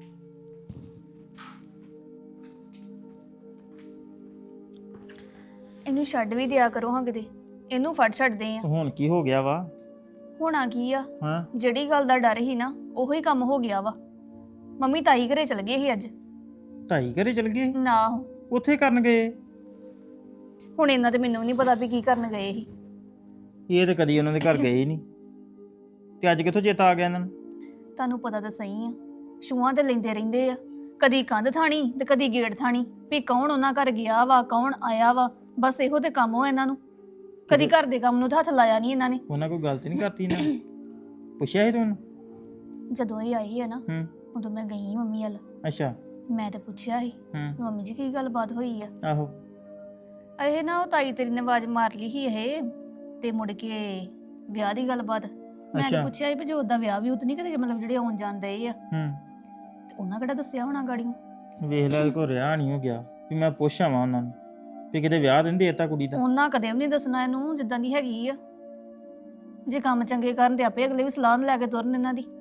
ਇਹਨੂੰ ਛੱਡ ਵੀ ਦਿਆ ਕਰੋ ਹਾਂ ਕਿਤੇ। ਇਹਨੂੰ ਫੜ ਛੱਡਦੇ ਆ। ਹੁਣ ਕੀ ਹੋ ਗਿਆ ਵਾ? ਹੋਣਾ ਕੀ ਆ, ਹਾਂ, ਜਿਹੜੀ ਗੱਲ ਦਾ ਡਰ ਸੀ ਨਾ ਉਹੀ ਕੰਮ ਹੋ ਗਿਆ ਵਾ। ਮੰਮੀ ਤਾਈ ਘਰੇ ਚਲ ਗਏ ਸੀ ਅੱਜ। ਢਾਈ ਘਰੇ ਚਲ ਗਏ? ਨਾ ਉੱਥੇ ਕਰਨ ਗਏ? ਹੁਣ ਇਹਨਾਂ ਤੇ ਮੈਨੂੰ ਨਹੀਂ ਪਤਾ ਵੀ ਕੀ ਕਰਨ ਗਏ ਸੀ। ਇਹ ਤੇ ਕਦੀ ਉਹਨਾਂ ਦੇ ਘਰ ਗਏ ਹੀ ਨਹੀਂ, ਤੇ ਅੱਜ ਕਿੱਥੋਂ ਚੇਤਾ ਆ ਗਿਆ ਇਹਨਾਂ ਨੂੰ? ਤੁਹਾਨੂੰ ਪਤਾ ਤਾਂ ਸਹੀ ਆ, ਛੂਆਂ ਤੇ ਲੈਂਦੇ ਰਹਿੰਦੇ ਆ, ਕਦੀ ਕੰਧ ਥਾਣੀ ਤੇ ਕਦੀ ਗੇਟ ਥਾਣੀ ਵੀ ਕੌਣ ਉਹਨਾਂ ਘਰ ਗਿਆ ਵਾ, ਕੌਣ ਆਇਆ ਵਾ। ਬਸ ਇਹੋ ਤੇ ਕੰਮ ਹੋ ਇਹਨਾਂ ਨੂੰ। ਕਦੀ ਘਰ ਦੇ ਕੰਮ ਨੂੰ ਤਾਂ ਹੱਥ ਲਾਇਆ ਨਹੀਂ ਇਹਨਾਂ ਨੇ। ਉਹਨਾਂ ਕੋਈ ਗੱਲ ਤੇ ਨਹੀਂ ਕਰਤੀ ਇਹਨਾਂ ਨੇ? ਪੁੱਛਿਆ ਸੀ ਤੁਹਾਨੂੰ? ਜਦੋਂ ਇਹ ਆਈ ਹੈ ਨਾ ਹੂੰ, ਉਦੋਂ ਮੈਂ ਗਈ ਮੰਮੀ ਵੱਲ। ਅੱਛਾ। ਮੈਂ ਤੇ ਪੁੱਛਿਆ ਸੀ ਹੂੰ, ਮੰਮੀ ਜੀ ਕੀ ਗੱਲਬਾਤ ਹੋਈ ਆ। ਆਹੋ। ਇਹ ਨਾ ਉਹ ਤਾਈ ਤੇਰੀ ਨੇ ਆਵਾਜ਼ ਮਾਰ ਲਈ ਸੀ ਇਹ, ਤੇ ਮੁੜ ਕੇ ਵਿਆਹ ਦੀ ਗੱਲਬਾਤ। ਮੈਂ ਤੇ ਅੱਛਾ। ਪੁੱਛਿਆ ਸੀ ਵੀ ਜੋ ਉਹਦਾ ਵਿਆਹ ਵੀ ਉਤ ਨਹੀਂ ਕਦੇ, ਮਤਲਬ ਜਿਹੜੇ ਆਉਣ ਜਾਂਦੇ ਆ ਹੂੰ, ਤੇ ਉਹਨਾਂ ਕਿਹੜਾ ਦੱਸਿਆ ਹੋਣਾ ਗਾੜੀਆਂ। ਵੇਖ ਲੈ, ਕੋ ਰਿਹਾ ਨਹੀਂ ਹੋ ਗਿਆ ਵੀ ਮੈਂ ਪੁੱਛਾਂ ਵਾ ਉਹਨਾਂ ਨੂੰ ਵੀ ਕਿਤੇ ਵਿਆਹ ਦਿੰਦੇ ਤਾ ਕੁੜੀ ਦਾ। ਉਹਨਾਂ ਕਦੇ ਵੀ ਨਹੀਂ ਦੱਸਣਾ ਇਹਨੂੰ ਜਿੱਦਾਂ ਦੀ ਹੈਗੀ ਆ। ਜੇ ਕੰਮ ਚੰਗੇ ਕਰਨ ਤੇ ਆਪੇ ਅਗਲੇ ਵੀ ਸਲਾਹ ਲੈ ਕੇ ਤੁਰਨ ਇਹਨਾਂ ਦੀ।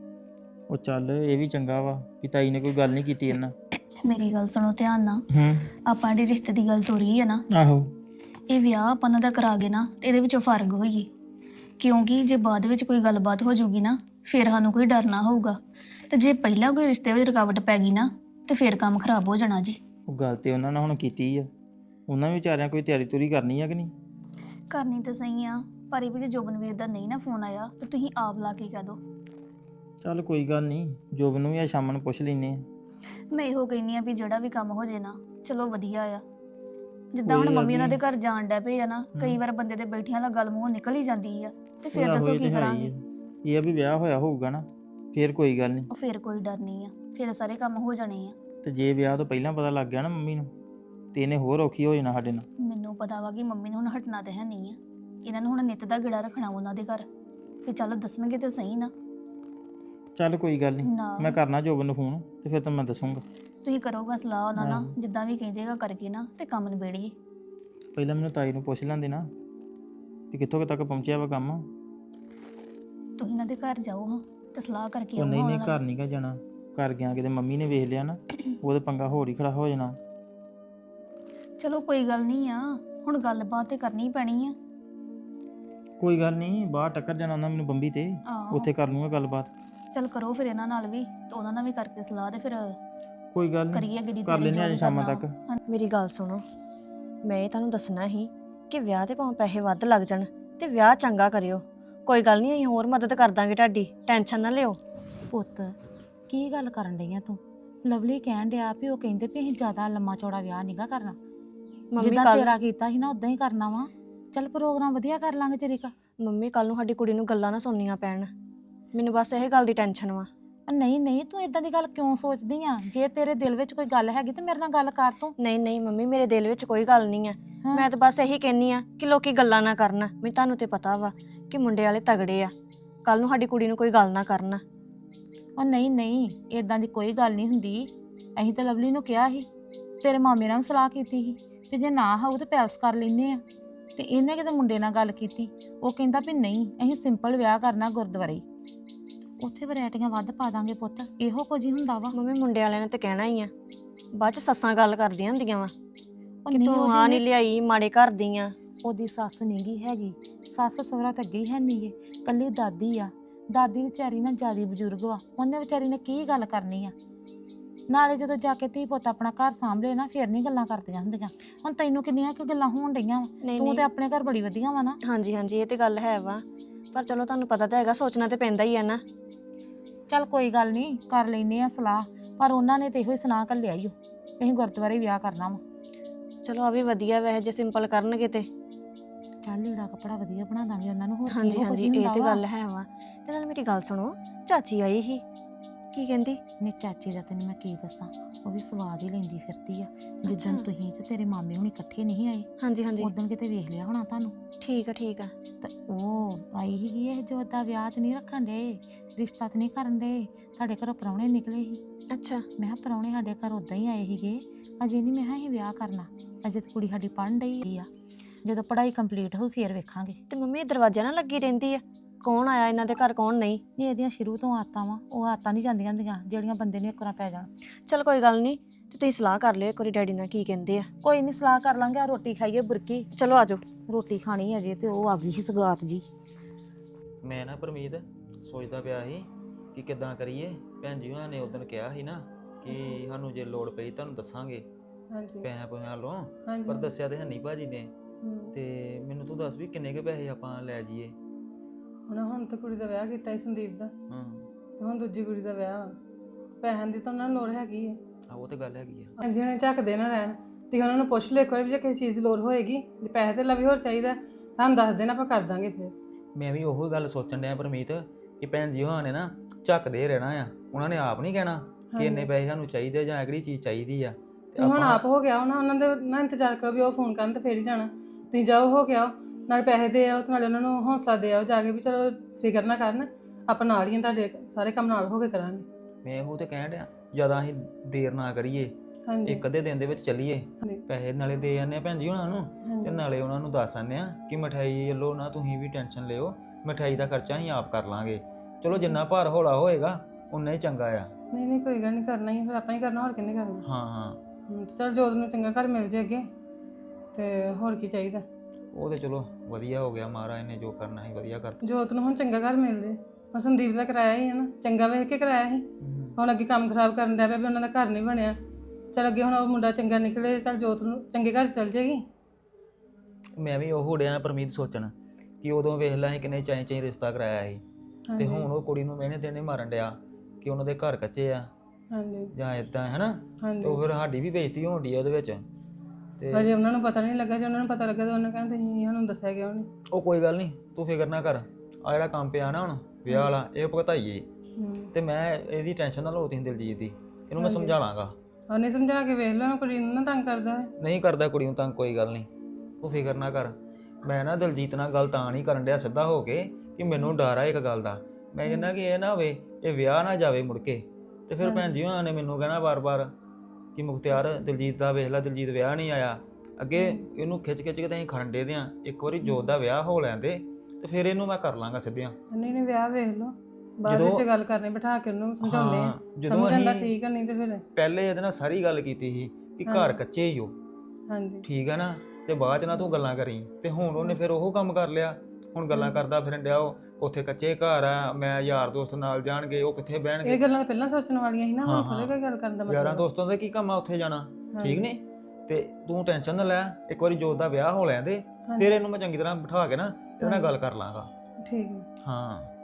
ਉਹ ਚੱਲ, ਇਹ ਵੀ ਚੰਗਾ ਵਾ ਵੀ ਤਾਈ ਨੇ ਕੋਈ ਗੱਲ ਨਹੀਂ ਕੀਤੀ ਇਹਨਾਂ। ਮੇਰੀ ਗੱਲ ਸੁਣੋ ਧਿਆਨ ਨਾਲ। ਹੂੰ, ਆਪਾਂ ਜਿਹੜੀ ਰਿਸ਼ਤੇ ਦੀ ਗੱਲ ਤੋਰੀ ਹੈ ਨਾ, ਆਹੋ। ਇਹ ਵਿਆਹ ਆਪਾਂ ਇਹਨਾਂ ਦਾ ਕਰਾ ਗਏ ਨਾ ਤੇ ਇਹਦੇ ਵਿੱਚੋਂ ਫਰਕ ਹੋਈਏ। ਕਿਉਂਕਿ ਜੇ ਬਾਅਦ ਵਿੱਚ ਕੋਈ ਗੱਲਬਾਤ ਹੋ ਜਾਊਗੀ ਨਾ, ਫਿਰ ਸਾਨੂੰ ਕੋਈ ਡਰ ਨਾ ਹੋਊਗਾ। ਤੇ ਜੇ ਪਹਿਲਾਂ ਕੋਈ ਰਿਸ਼ਤੇ ਵਿੱਚ ਰੁਕਾਵਟ ਪੈ ਗਈ ਨਾ ਤੇ ਫਿਰ ਕੰਮ ਖਰਾਬ ਹੋ ਜਾਣਾ ਜੀ। ਉਹ ਗੱਲ ਤੇ ਉਹਨਾਂ ਨੇ ਹੁਣ ਕੀਤੀ ਆ, ਉਹਨਾਂ ਵਿਚਾਰਿਆਂ ਕੋਈ ਤਿਆਰੀ ਤੁਰੀ ਕਰਨੀ ਆ ਕਿ ਨਹੀਂ? ਕਰਨੀ ਤਾਂ ਸਹੀ ਆ, ਪਰ ਇਹ ਵੀ ਜੇ ਜੋਬਨਵੀਰ ਦਾ ਨਹੀਂ ਨਾ ਫੋਨ ਆਇਆ ਤੇ ਤੁਸੀਂ ਆਪ ਲਾ ਕੇ ਕਹਿ ਦਿਓ। ਚੱਲ ਕੋਈ ਗੱਲ ਨਹੀਂ, ਜੋਬਨ ਨੂੰ ਵੀ ਆ ਸ਼ਾਮ ਨੂੰ ਪੁੱਛ ਲੈਨੇ ਆ। ਮੈਂ ਇਹੋ ਕਹਿੰਦੀ ਆ ਵੀ ਜਿਹੜਾ ਵੀ ਕੰਮ ਹੋ ਜੇ ਨਾ ਚਲੋ ਵਧੀਆ ਆ। ਜਿੱਦਾਂ ਹੁਣ ਕੋਈ ਗੱਲ ਮੰਮੀ ਉਹਨਾਂ ਦੇ ਨੀ। ਘਰ ਜਾਣ ਡੈ ਪਏ ਆ ਨਾ, ਕਈ ਵਾਰ ਬੰਦੇ ਦੇ ਬੈਠਿਆਂ ਦਾ ਗੱਲ ਮੂੰਹੋਂ ਨਿਕਲ ਹੀ ਜਾਂਦੀ ਆ ਤੇ ਫਿਰ ਆਹੋ, ਦੱਸੋ ਇਹ ਕੀ ਤੇ ਹੈ ਹੀ ਕਰਾਂਗੇ। ਆ। ਇਹ ਆ ਵੀ ਵਿਆਹ ਹੋਇਆ ਹੋਊਗਾ ਨਾ, ਫੇਰ ਕੋਈ ਗੱਲ ਨਹੀਂ। ਉਹ ਫਿਰ ਕੋਈ ਡਰ ਨਹੀਂ ਆ, ਫਿਰ ਸਾਰੇ ਕੰਮ ਹੋ ਜਾਣੇ ਆ। ਤੇ ਜੇ ਵਿਆਹ ਤੋਂ ਪਹਿਲਾਂ ਪਤਾ ਲੱਗ ਗਿਆ ਨਾ ਮੰਮੀ ਨੂੰ, ਤੇ ਇਹਨੇ ਹੋਰ ਔਖੀ ਹੋ ਜਾਣਾ ਸਾਡੇ ਨਾਲ। ਮੈਨੂੰ ਪਤਾ ਵਾ ਕਿ ਮੰਮੀ ਨੂੰ ਹੁਣ ਹਟਣਾ ਤੇ ਹੈ ਨਹੀਂ ਆ। ਇਹਨਾਂ ਨੂੰ ਹੁਣ ਨਿੱਤ ਦਾ ਗਿੜਾ ਰੱਖਣਾ ਉਹਨਾਂ ਦੇ ਘਰ ਵੀ ਚੱਲ ਦੱਸਣਗੇ ਤੇ ਸਹੀ ਨਾ। ਚੱਲ ਕੋਈ ਗੱਲ ਨਹੀਂ, ਨਾ ਮੈਂ ਕਰਨਾ ਜੋਬਨ ਨੂੰ ਫੋਨ ਤੇ ਫਿਰ ਤਾਂ ਮੈਂ ਦੱਸੂਗਾ। ਤੁਸੀਂ ਕਰੋਗਾ ਸਲਾਹ ਉਹਨਾਂ ਨਾਲ, ਹਾਂ। ਜਿੱਦਾਂ ਵੀ ਕਹਿੰਦੇਗਾ ਕਰਕੇ ਨਾ ਤੇ ਕੰਮ ਨਿਬੇੜੀਏ। ਪਹਿਲਾਂ ਮੈਨੂੰ ਤਾਈ ਨੂੰ ਪੁੱਛ ਲੈਂਦੇ ਨਾ ਵੀ ਕਿੱਥੋਂ ਕੁ ਤੱਕ ਪਹੁੰਚਿਆ ਵਾ ਕੰਮ। ਤੁਸੀਂ ਇਹਨਾਂ ਦੇ ਘਰ ਜਾਓ ਹਾਂ ਤੇ ਸਲਾਹ ਕਰਕੇ ਉਹ ਆਓ ਨਹੀਂ ਨਹੀਂ, ਉਹਨਾਂ ਘਰ ਨਾਲ। ਨਹੀਂ ਗਾ ਜਾਣਾ। ਘਰ ਗਿਆ ਕਿਤੇ ਮੰਮੀ ਨੇ ਵੇਖ ਲਿਆ ਨਾ, ਉਹਦੇ ਪੰਗਾ ਹੋਰ ਹੀ ਖੜਾ ਹੋ ਜਾਣਾ। ਚਲੋ ਕੋਈ ਗੱਲ ਨਹੀਂ ਆ, ਹੁਣ ਗੱਲਬਾਤ ਤੇ ਕਰਨੀ ਪੈਣੀ ਆ। ਕੋਈ ਗੱਲ ਨਹੀਂ, ਬਾਹਰ ਟੱਕਰ ਜਾਣਾ ਉਹਨਾਂ ਮੈਨੂੰ ਬੰਬੀ ਤੇ, ਆਹੋ। ਉੱਥੇ ਕਰ ਲੂੰਗਾ ਗੱਲਬਾਤ। ਚਲ ਕਰੋ ਫਿਰ ਇਹਨਾਂ ਨਾਲ ਵੀ ਤੇ ਉਹਨਾਂ ਨਾਲ ਵੀ ਕਰਕੇ ਸਲਾਹ ਤੇ ਫਿਰ ਕੋਈ ਗੱਲ ਕਰੀਏ ਨਹੀਂ, ਅੱਗੇ ਦੀ ਕਰ ਤਿਆਰੀ ਲੈਨੇ ਜੋ ਅੱਜ ਵੀ ਸ਼ਾਮਾਂ ਕਰਨਾ ਤੱਕ। ਵਾ। ਮੇਰੀ ਗੱਲ ਸੁਣੋ, ਮੈਂ ਇਹ ਤੁਹਾਨੂੰ ਦੱਸਣਾ ਸੀ ਕਿ ਵਿਆਹ ਤੇ ਭਾਵੇਂ ਪੈਸੇ ਵੱਧ ਲੱਗ ਜਾਣ ਤੇ ਵਿਆਹ ਚੰਗਾ ਕਰਿਓ। ਕੋਈ ਗੱਲ ਨਹੀਂ, ਅਸੀਂ ਹੋਰ ਮਦਦ ਕਰ ਦਾਂਗੇ ਤੁਹਾਡੀ, ਟੈਨਸ਼ਨ ਨਾ ਲਿਓ। ਪੁੱਤ ਕੀ ਗੱਲ ਕਰਨ ਡਈ ਆ ਤੂੰ? ਲਵਲੀ ਕਹਿਣ ਡਿਆ ਵੀ ਉਹ ਕਹਿੰਦੇ ਵੀ ਅਸੀਂ ਜ਼ਿਆਦਾ ਲੰਮਾ ਚੌੜਾ ਵਿਆਹ ਨਹੀਂਗਾ ਕਰਨਾ, ਮੰਮੀ ਜਿੱਦਾਂ ਕੱਲ ਤੇਰਾ ਕੀਤਾ ਸੀ ਨਾ ਉਦਾਂ ਹੀ ਕਰਨਾ ਵਾ। ਚੱਲ ਪ੍ਰੋਗਰਾਮ ਵਧੀਆ ਕਰ ਲਾਂਗੇ ਤੇਰੀ ਕਾ। ਮੰਮੀ ਕੱਲ ਨੂੰ ਸਾਡੀ ਕੁੜੀ ਨੂੰ ਗੱਲਾਂ ਨਾ ਸੁਣਨੀਆਂ ਪੈਣ, ਮੈਨੂੰ ਬਸ ਇਹ ਗੱਲ ਦੀ ਟੈਨਸ਼ਨ ਵਾ। ਨਹੀਂ ਨਹੀਂ, ਤੂੰ ਇਦਾਂ ਦੀ ਗੱਲ ਕਿਉਂ ਸੋਚਦੀ ਆ? ਜੇ ਤੇਰੇ ਦਿਲ ਵਿੱਚ ਕੋਈ ਗੱਲ ਹੈਗੀ ਤੇ ਮੇਰੇ ਨਾਲ ਗੱਲ ਕਰ ਤੂੰ। ਨਹੀਂ ਨਹੀਂ ਮੰਮੀ, ਮੇਰੇ ਦਿਲ ਵਿੱਚ ਕੋਈ ਗੱਲ ਨਹੀਂ ਆ। ਹਾਂ। ਮੈਂ ਤਾਂ ਬਸ ਇਹੀ ਕਹਿੰਨੀ ਆ ਕਿ ਲੋਕੀ ਗੱਲਾਂ ਨਾ ਕਰਨ। ਮੈਨੂੰ ਤੁਹਾਨੂੰ ਤੇ ਪਤਾ ਵਾ ਕਿ ਮੁੰਡੇ ਵਾਲੇ ਤਗੜੇ ਆ, ਕੱਲ ਨੂੰ ਸਾਡੀ ਕੁੜੀ ਨੂੰ ਕੋਈ ਗੱਲ ਨਾ ਕਰਨ। ਉਹ ਨਹੀਂ ਨਹੀਂ, ਇਦਾਂ ਦੀ ਕੋਈ ਗੱਲ ਨਹੀਂ ਹੁੰਦੀ। ਅਸੀਂ ਤਾਂ ਲਵਲੀ ਨੂੰ ਕਿਹਾ ਸੀ, ਤੇਰੇ ਮਾਮੇ ਨਾਲ ਵੀ ਸਲਾਹ ਕੀਤੀ ਸੀ ਵੀ ਜੇ ਨਾ ਹੋਊ ਤੇ ਪੈਲਸ ਕਰ ਲੈਨੇ ਆ। ਤੇ ਇਹਨੇ ਕਿਤੇ ਮੁੰਡੇ ਨਾਲ ਗੱਲ ਕੀਤੀ, ਉਹ ਕਹਿੰਦਾ ਵੀ ਨਹੀਂ ਅਸੀਂ ਸਿੰਪਲ ਵਿਆਹ ਕਰਨਾ ਗੁਰਦੁਆਰੇ, ਉੱਥੇ ਵੈਰਾਈਟੀਆਂ ਵੱਧ ਪਾ ਦਾਂਗੇ ਪੁੱਤ। ਇਹੋ ਕੁਝ ਹੀ ਹੁੰਦਾ ਵਾ। ਮੰਮੀ ਮੁੰਡੇ ਵਾਲਿਆਂ ਨੇ ਤਾਂ ਕਹਿਣਾ ਹੀ ਆ, ਬਾਅਦ ਚ ਸੱਸਾਂ ਗੱਲ ਕਰਦੀਆਂ ਹੁੰਦੀਆਂ ਵਾ ਉਹ ਕਿ ਨਹੀਂ, ਤੂੰ ਉਹਦੀ ਆ ਨਹੀਂ ਨੀ- ਲਿਆਈ, ਮਾੜੇ ਘਰ ਦੀ ਆ। ਉਹਦੀ ਸੱਸ ਨਹੀਂਗੀ ਹੈਗੀ, ਸੱਸ ਸਹੁਰਾ ਤਾਂ ਅੱਗੇ ਹੀ ਹੈ ਨਹੀਂ ਗੇ, ਕੱਲੀ ਦਾਦੀ ਆ। ਦਾਦੀ ਵਿਚਾਰੀ ਨਾ ਜਿਆਦੀ ਬਜ਼ੁਰਗ ਵਾ, ਉਹਨੇ ਵਿਚਾਰੀ ਨੇ ਕੀ ਗੱਲ ਕਰਨੀ ਆ। ਨਾਲੇ ਜਦੋਂ ਜਾ ਕੇ ਧੀ ਪੁੱਤ ਆਪਣਾ ਘਰ ਸਾਂਭਲੇ ਨਾ, ਫਿਰ ਨਹੀਂ ਗੱਲਾਂ ਕਰਦੀਆਂ ਹੁੰਦੀਆਂ। ਹੁਣ ਤੈਨੂੰ ਕਿੰਨੀਆਂ ਕਿ ਗੱਲਾਂ ਹੋਣ ਡਈਆਂ ਵਾ, ਨਹੀਂ ਤੂੰ ਤੇ ਨਹੀਂ, ਆਪਣੇ ਘਰ ਬੜੀ ਵਧੀਆ ਵਾ ਨਾ। ਹਾਂਜੀ ਹਾਂਜੀ, ਇਹ ਤੇ ਗੱਲ ਹੈ ਵਾ, ਪਰ ਚਲੋ ਤੁਹਾਨੂੰ ਪਤਾ ਤਾਂ ਹੈਗਾ, ਸੋਚਣਾ ਤੇ ਪੈਂਦਾ ਹੀ ਆ ਨਾ। ਚੱਲ ਕੋਈ ਗੱਲ ਨਹੀਂ, ਕਰ ਲੈਨੇ ਆ ਸਲਾਹ। ਪਰ ਉਹਨਾਂ ਨੇ ਤੇ ਇਹੋ ਹੀ ਸੁਣਾ ਘੱਲਿਆ ਈ ਓ, ਅਸੀਂ ਗੁਰਦੁਆਰੇ ਵਿਆਹ ਕਰਨਾ ਵਾ। ਚਲੋ ਆ ਵੀ ਵਧੀਆ ਵੈਸੇ, ਜੇ ਸਿੰਪਲ ਕਰਨਗੇ ਤੇ। ਚੱਲ ਲੀੜਾ ਕੱਪੜਾ ਵਧੀਆ ਬਣਾ ਦਾਂਗੇ ਉਹਨਾਂ ਨੂੰ, ਹੋਰ ਕੀ ਹਾਂਜੀ ਇਹੋ ਕੁਝ ਹਾਂਜੀ ਹੀ ਇਹ ਹੁੰਦਾ ਤੇ ਵਾ। ਗੱਲ ਹੈ ਵਾ। ਤੇ ਨਾਲ ਮੇਰੀ ਗੱਲ ਸੁਣੋ, ਚਾਚੀ ਆਈ ਸੀ, ਕੀ ਕਹਿੰਦੀ? ਨੇ ਚਾਚੀ ਦਾ ਤੈਨੂੰ ਮੈਂ ਕੀ ਦੱਸਾਂ, ਉਹ ਵੀ ਸਵਾਦ ਹੀ ਲੈਂਦੀ ਫਿਰਦੀ ਆ। ਜਿੱਦਣ ਅੱਛਾ। ਤੁਸੀਂ ਤੇ ਤੇਰੇ ਮਾਮੇ ਹੁਣੀ ਇਕੱਠੇ ਨਹੀਂ ਆਏ, ਹਾਂਜੀ ਹਾਂਜੀ ਉਦੋਂ ਕਿਤੇ ਵੇਖ ਲਿਆ ਹੋਣਾ ਤੁਹਾਨੂੰ। ਠੀਕ ਆ ਠੀਕ ਆ। ਤੇ ਉਹ ਆਈ ਸੀਗੀ ਇਹ ਜੋ ਦਾ ਵਿਆਹ ਤੇ ਨਹੀਂ ਰੱਖਣ ਦੇ, ਰਿਸ਼ਤਾ ਤੇ ਨਹੀਂ ਕਰਨ ਦੇ, ਸਾਡੇ ਘਰੋਂ ਪ੍ਰਾਹੁਣੇ ਨਿਕਲੇ ਸੀ। ਅੱਛਾ ਮੈਂ ਕਿਹਾ ਪ੍ਰਾਹੁਣੇ ਸਾਡੇ ਘਰ ਉਦਾਂ ਹੀ ਆਏ ਸੀਗੇ, ਅਜੇ ਨਹੀਂ ਮੈਂ ਕਿਹਾ ਅਸੀਂ ਵਿਆਹ ਕਰਨਾ, ਅਜੇ ਤਾਂ ਕੁੜੀ ਸਾਡੀ ਪੜ੍ਹਨ ਡਈ ਆ, ਜਦੋਂ ਪੜ੍ਹਾਈ ਕੰਪਲੀਟ ਹੋਊ ਫੇਰ ਵੇਖਾਂਗੇ। ਤੇ ਮੰਮੀ ਦਰਵਾਜ਼ਾ ਨਾ ਲੱਗੀ ਰਹਿੰਦੀ ਆ, ਕੌਣ ਆਇਆ ਇਹਨਾਂ ਦੇ ਘਰ ਕੌਣ ਨਹੀਂ? ਨਹੀਂ ਇਹਦੀਆਂ ਸ਼ੁਰੂ ਤੋਂ ਆਦਤਾਂ ਵਾ, ਉਹ ਆਦਤਾਂ ਨਹੀਂ ਜਾਂਦੀਆਂ ਹੁੰਦੀਆਂ ਜਿਹੜੀਆਂ ਬੰਦੇ ਨੂੰ ਇੱਕ ਵਾਰ ਪੈ ਜਾਣ। ਚਲ ਕੋਈ ਗੱਲ ਨਹੀਂ, ਤੇ ਤੁਸੀਂ ਸਲਾਹ ਕਰ ਲਿਓ ਇੱਕ ਵਾਰੀ ਡੈਡੀ ਨਾਲ ਕੀ ਕਹਿੰਦੇ ਆ। ਕੋਈ ਨਹੀਂ ਸਲਾਹ ਕਰ ਲਾਂਗੇ, ਆ ਰੋਟੀ ਖਾਈਏ ਬੁਰਕੀ, ਚਲੋ ਆਜੋ। ਰੋਟੀ ਖਾਣੀ ਅਜੇ ਤੇ ਉਹ ਆ ਗਈ ਸੀ ਸਗਾਤ ਜੀ। ਮੈਂ ਨਾ ਪਰਮੀਤ ਸੋਚਦਾ ਪਿਆ ਸੀ ਕਿ ਕਿੱਦਾਂ ਕਰੀਏ। ਭੈਣ ਜੀ ਉਹਨਾਂ ਨੇ ਉਦੋਂ ਕਿਹਾ ਸੀ ਨਾ ਕਿ ਸਾਨੂੰ ਜੇ ਲੋੜ ਪਈ ਤੁਹਾਨੂੰ ਦੱਸਾਂਗੇ ਹਾਂਜੀ ਪੈਸਿਆਂ ਪੂਸਿਆਂ ਵੱਲੋਂ, ਹਾਂਜੀ ਪਰ ਦੱਸਿਆ ਤੇ ਹੈ ਨਹੀਂ ਭਾਜੀ ਨੇ। ਹੂੰ। ਤੇ ਮੈਨੂੰ ਤੂੰ ਦੱਸ ਵੀ ਕਿੰਨੇ ਕੁ ਪੈਸੇ ਆਪਾਂ ਲੈ ਜਾਈਏ। ਹੁਣ ਹੁਣ ਤਾਂ ਕੁੜੀ ਦਾ ਵਿਆਹ ਕੀਤਾ ਸੀ ਸੰਦੀਪ ਦਾ, ਹਾਂ ਤੇ ਹੁਣ ਦੂਜੀ ਕੁੜੀ ਦਾ ਵਿਆਹ ਵਾ। ਪੈਸਿਆਂ ਦੀ ਤਾਂ ਉਹਨਾਂ ਨੂੰ ਲੋੜ ਹੈਗੀ ਹੈ। ਆ ਉਹ ਤੇ ਗੱਲ ਹੈਗੀ ਆ। ਹਾਂਜੀ ਉਹਨੇ ਝੱਕਦੇ ਨਾ ਰਹਿਣ, ਤੇ ਉਹਨਾਂ ਨੂੰ ਪੁੱਛ ਲਿਓ ਇੱਕ ਵਾਰੀ ਵੀ ਜੇ ਕਿਸੇ ਚੀਜ਼ ਦੀ ਲੋੜ ਹੋਏਗੀ, ਜੇ ਪੈਸੇ ਤੇ ਵੀ ਹੋਰ ਚਾਹੀਦਾ ਤੁਹਾਨੂੰ ਦੱਸ ਦੇਣਾ, ਆਪਾਂ ਕਰ ਦਾਂਗੇ ਫਿਰ। ਮੈਂ ਵੀ ਉਹੀ ਗੱਲ ਸੋਚਣ ਡਿਆ ਪਰਮੀਤ ਕਿ ਭੈਣ ਜੀ ਹੋਣਾ ਨੇ ਨਾ ਝੱਕਦੇ ਰਹਿਣਾ ਆ, ਉਹਨਾਂ ਨੇ ਆਪ ਨਹੀਂ ਕਹਿਣਾ ਕਿ ਇੰਨੇ ਪੈਸੇ ਸਾਨੂੰ ਚਾਹੀਦੇ ਜਾਂ ਕਿਹੜੀ ਚੀਜ਼ ਚਾਹੀਦੀ ਆ। ਤੇ ਹੁਣ ਆਪ ਹੋ ਗਿਆ ਉਹਨਾਂ ਉਹਨਾਂ ਦੇ ਨਾ ਇੰਤਜ਼ਾਰ ਕਰੋ ਵੀ ਉਹ ਫੋਨ ਕਰਨ ਤੇ ਫੇਰ ਹੀ ਜਾਣਾ। ਤੁਸੀਂ ਜਾਓ ਹੋ ਗਿਆ, ਨਾਲੇ ਪੈਸੇ ਦੇ ਆਓ ਤੇ ਨਾਲੇ ਉਹਨਾਂ ਨੂੰ ਹੌਸਲਾ ਦੇ ਆਓ ਜਾ ਕੇ ਵੀ ਚਲੋ ਫਿਕਰ ਨਾ ਕਰਨ, ਆਪਾਂ ਨਾਲ ਹੀ ਆ, ਤੁਹਾਡੇ ਸਾਰੇ ਕੰਮ ਨਾਲ ਹੋ ਕੇ ਕਰਾਂਗੇ। ਮੈਂ ਉਹ ਤੇ ਕਹਿਣ ਡਿਆ ਜਿਆਦਾ ਅਸੀਂ ਦੇਰ ਨਾ ਕਰੀਏ, ਹਾਂਜੀ ਇੱਕ ਅੱਧੇ ਦਿਨ ਦੇ ਵਿੱਚ ਚੱਲੀਏ, ਹਾਂਜੀ। ਪੈਸੇ ਨਾਲੇ ਦੇ ਜਾਂਦੇ ਆ ਭੈਣ ਜੀ ਉਹਨਾਂ ਨੂੰ, ਤੇ ਹਾਂਜੀ ਨਾਲੇ ਉਹਨਾਂ ਨੂੰ ਦੱਸ ਆਨੇ ਆ ਕਿ ਮਠਿਆਈ ਵੱਲੋਂ ਨਾ ਤੁਸੀਂ ਵੀ ਟੈਨਸ਼ਨ ਲਿਓ, ਮਠਿਆਈ ਦਾ ਖਰਚਾ ਅਸੀਂ ਆਪ ਕਰ ਲਾਂਗੇ। ਚਲੋ ਜਿੰਨਾ ਭਾਰ ਹੌਲਾ ਹੋਏਗਾ ਉਨਾ ਹੀ ਚੰਗਾ ਆ। ਨਹੀਂ ਨਹੀਂ ਕੋਈ ਗੱਲ ਨਹੀਂ, ਕਰਨਾ ਹੀ ਫਿਰ ਆਪਾਂ ਹੀ ਕਰਨਾ, ਹੋਰ ਕਿੰਨੇ ਕਰਨਾ। ਹਾਂ ਹਾਂ ਹਮ, ਚਲ ਜੋਤ ਨੂੰ ਚੰਗਾ ਘਰ ਮਿਲ ਜੇ ਅੱਗੇ, ਤੇ ਹੋਰ ਕੀ ਚਾਹੀਦਾ। ਉਹ ਤੇ ਚਲੋ ਵਧੀਆ ਹੋ ਗਿਆ, ਮਹਾਰਾਜ ਨੇ ਜੋ ਕਰਨਾ ਸੀ ਵਧੀਆ ਕਰਤਾ। ਜੋਤ ਨੂੰ ਹੁਣ ਚੰਗਾ ਘਰ ਮਿਲ ਜੇ, ਹੁਣ ਸੰਦੀਪ ਦਾ ਕਰਾਇਆ ਹੀ ਹੈ ਨਾ, ਚੰਗਾ ਵੇਖ ਕੇ ਕਰਾਇਆ ਸੀ। ਹੁਣ ਅੱਗੇ ਕੰਮ ਖਰਾਬ ਕਰਨ ਦਾ ਪਿਆ ਵੀ ਉਹਨਾਂ ਦਾ ਘਰ ਨਹੀਂ ਬਣਿਆ। ਚਲ ਅੱਗੇ ਹੁਣ ਉਹ ਮੁੰਡਾ ਚੰਗਾ ਨਿਕਲੇ, ਚਲ ਜੋਤ ਨੂੰ ਚੰਗੇ ਘਰ 'ਚ ਚਲ ਜਾਏਗੀ। ਮੈਂ ਵੀ ਉਹ ਡਿਆ ਪਰਮੀਤ ਸੋਚਣ ਕਿ ਉਦੋਂ ਵੇਖ ਲਾ ਅਸੀਂ ਕਿੰਨੇ ਚਾਈ ਚਾਈ ਰਿਸ਼ਤਾ ਕਰਾਇਆ ਸੀ, ਤੇ ਹੁਣ ਉਹ ਕੁੜੀ ਨੂੰ ਮਿਹਨੇ ਦੇਣੇ ਮਾਰਨ ਡਿਆ ਕਿ ਉਹਨਾਂ ਦੇ ਘਰ ਕੱਚੇ ਆ ਹਾਂਜੀ ਜਾਂ ਇਦਾਂ ਹੈ ਨਾ। ਹਾਂਜੀ ਤੇ ਫਿਰ ਸਾਡੀ ਵੀ ਬੇਇੱਜ਼ਤੀ ਹੋਣ ਡਈ ਆ ਉਹਦੇ ਵਿੱਚ। ਤੇ ਹਜੇ ਉਹਨਾਂ ਨੂੰ ਪਤਾ ਨਹੀਂ ਲੱਗਾ, ਜੇ ਉਹਨਾਂ ਨੂੰ ਪਤਾ ਲੱਗਾ ਤਾਂ ਉਹਨਾਂ ਕਹਿੰਦੇ ਤੁਸੀਂ ਸਾਨੂੰ ਦੱਸਿਆ ਕਿਉਂ ਨਹੀਂ। ਉਹ ਕੋਈ ਗੱਲ ਨਹੀਂ, ਤੂੰ ਫਿਕਰ ਨਾ ਕਰ, ਆ ਜਿਹੜਾ ਕੰਮ ਪਿਆ ਨਾ ਹੁਣ ਵਿਆਹ ਵਾਲਾ ਇਹ ਭੁਗਤਾਈਏ। ਹੂੰ ਤੇ ਮੈਂ ਇਹਦੀ ਟੈਨਸ਼ਨ ਨਾ ਲਓ ਤੁਸੀਂ ਦਿਲਜੀਤ ਦੀ, ਇਹਨੂੰ ਮੈਂ ਸਮਝਾ ਲਾਂਗਾ। ਉਹਨੇ ਸਮਝਾ ਕੇ ਵੇਖ ਲੈਣਾ, ਕੁੜੀ ਨੂੰ ਨਾ ਤੰਗ ਕਰਦਾ ਹੈ। ਨਹੀਂ ਕਰਦਾ ਕੁੜੀ ਨੂੰ ਤਾਂ ਕੋਈ ਗੱਲ ਨਹੀਂ, ਤੂੰ ਫਿਕਰ ਨਾ ਕਰ। ਮੈਂ ਨਾ ਦਿਲਜੀਤ ਨਾਲ ਗੱਲ ਤਾਂ ਨਹੀਂ ਕਰਨ ਡਿਆ ਸਿੱਧਾ ਹੋ ਕੇ ਕਿ ਮੈਨੂੰ ਡਰ ਆ ਇੱਕ ਗੱਲ ਦਾ। ਮੈਂ ਕਹਿੰਦਾ ਕਿ ਇਹ ਨਾ ਹੋਵੇ ਇਹ ਵਿਆਹ ਨਾ ਜਾਵੇ ਮੁੜ ਕੇ, ਤੇ ਫਿਰ ਭੈਣ ਜੀ ਉਹਨਾਂ ਨੇ ਮੈਨੂੰ ਕਹਿਣਾ ਵਾਰ-ਵਾਰ ਕਿ ਮੁਖਤਿਆਰ ਦਿਲਜੀਤ ਦਾ ਵੇਖ ਲੈ, ਦਿਲਜੀਤ ਵਿਆਹ ਨਹੀਂ ਆਇਆ। ਅੱਗੇ ਇਹਨੂੰ ਖਿੱਚ ਖਿੱਚ ਕੇ ਤਾਂ ਅਸੀਂ ਖੜਨ ਦੇ ਦਿਆਂ, ਇੱਕ ਵਾਰੀ ਜੋਤ ਦਾ ਵਿਆਹ ਹੋ ਲੈਂਦੇ ਤੇ ਫਿਰ ਇਹਨੂੰ ਮੈਂ ਕਰ ਲਾਂਗਾ ਸਿੱਧਿਆਂ। ਨਹੀਂ ਨਹੀਂ ਵਿਆਹ ਵੇਖ ਲਓ, ਬਾਅਦ ਵਿੱਚ ਗੱਲ ਕਰਨੀ, ਬਿਠਾ ਕੇ ਉਹਨੂੰ ਸਮਝਾਉਂਦੇ ਆ, ਜਦੋਂ ਸਮਝਾਉਂਦਾ ਅਸੀਂ ਠੀਕ ਹੈ, ਨਹੀਂ ਤੇ ਫਿਰ ਪਹਿਲੇ ਇਹਦੇ ਨਾਲ ਸਾਰੀ ਗੱਲ ਕੀਤੀ ਸੀ ਕਿ ਘਰ ਕੱਚੇ ਹੀ ਹੋ, ਹਾਂਜੀ ਠੀਕ ਹੈ ਨਾ, ਤੇ ਬਾਅਦ ਚ ਨਾ ਤੂੰ ਗੱਲਾਂ ਕਰੀ। ਤੇ ਹੁਣ ਉਹਨੇ ਫਿਰ ਉਹ ਕੰਮ ਕਰ ਲਿਆ, ਹੁਣ ਗੱਲਾਂ ਕਰਦਾ ਫਿਰਨ ਡਿਆ ਉਹ ਉੱਥੇ ਕੱਚੇ ਘਰ ਆ, ਮੈਂ ਯਾਰ ਦੋਸਤ ਨਾਲ ਜਾਣਗੇ, ਉਹ ਕਿੱਥੇ ਬਹਿਣਗੇ। ਇਹ ਗੱਲਾਂ ਪਹਿਲਾਂ ਸੋਚਣ ਵਾਲੀਆਂ ਸੀ ਨਾ, ਹੁਣ ਥੋੜੇ ਕੋਈ ਗੱਲ ਕਰਨ ਦਾ ਯਾਰਾਂ ਮਤਲਬ। ਦੋਸਤਾਂ ਦਾ ਕੀ ਕੰਮ ਆ ਉੱਥੇ ਜਾਣਾ, ਠੀਕ ਨੇ। ਤੇ ਤੂੰ ਟੈਨਸ਼ਨ ਨਾ ਲੈ, ਇੱਕ ਵਾਰੀ ਜੋਤ ਦਾ ਵਿਆਹ ਹੋ ਲੈਂਦੇ ਫਿਰ ਇਹਨੂੰ ਮੈਂ ਚੰਗੀ ਤਰ੍ਹਾਂ ਬਿਠਾ ਕੇ ਨਾ ਇਹਦੇ ਨਾਲ ਗੱਲ ਕਰ ਲਾਂਗਾ। ਠੀਕ ਹੈ। ਹਾਂ